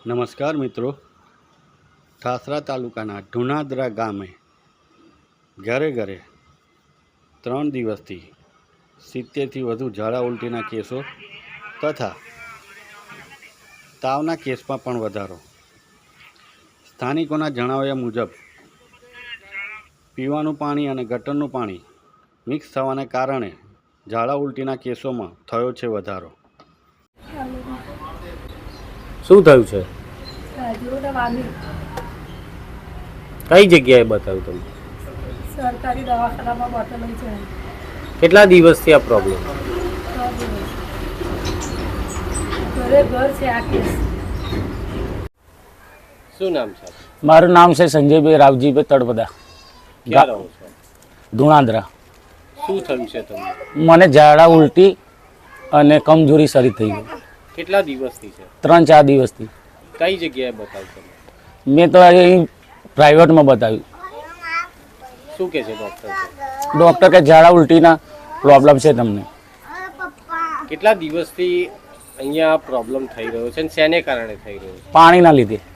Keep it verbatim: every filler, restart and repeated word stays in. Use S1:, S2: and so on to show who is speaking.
S1: નમસ્કાર મિત્રો, ઠાસરા તાલુકાના ઢુનાદરા ગામે ઘરે ઘરે ત્રણ દિવસથી સિત્તેરથી વધુ ઝાડા ઉલટીના કેસો તથા તાવના કેસમાં પણ વધારો. સ્થાનિકોના જણાવ્યા મુજબ પીવાનું પાણી અને ગટરનું પાણી મિક્સ થવાને કારણે ઝાડા ઉલટીના કેસોમાં થયો છે વધારો.
S2: શું થયું છે? કઈ જગ્યાએ બતાવ્યું તમે?
S3: સરકારી દવાખાનામાં બતાવેલું છે.
S2: કેટલા દિવસથી આ પ્રોબ્લેમ?
S3: ઘરે ઘર છે આ કેસ.
S2: શું નામ છે?
S4: મારું નામ છે સંજયભાઈ રાવજીભાઈ તળપદા,
S2: ક્યાં રહો છો?
S4: ધુણાદરા.
S2: શું થયું છે તમને?
S4: મને ઝાડા ઉલટી અને કમજોરી શરીર થઈ ગઈ.
S2: કેટલા દિવસથી છે?
S4: ત્રણ ચાર દિવસથી.
S2: કઈ જગ્યાએ બતાવ્યું તમે?
S4: મેં તો અહીં પ્રાઇવેટમાં બતાવ્યું.
S2: શું કહે છે ડૉક્ટર?
S4: ડૉક્ટર કે ઝાડા ઉલટીના પ્રોબ્લેમ છે તમને.
S2: કેટલા દિવસથી અહીંયા પ્રોબ્લેમ થઈ રહ્યો છે અને શેને કારણે થઈ રહ્યો છે?
S4: પાણીના લીધે.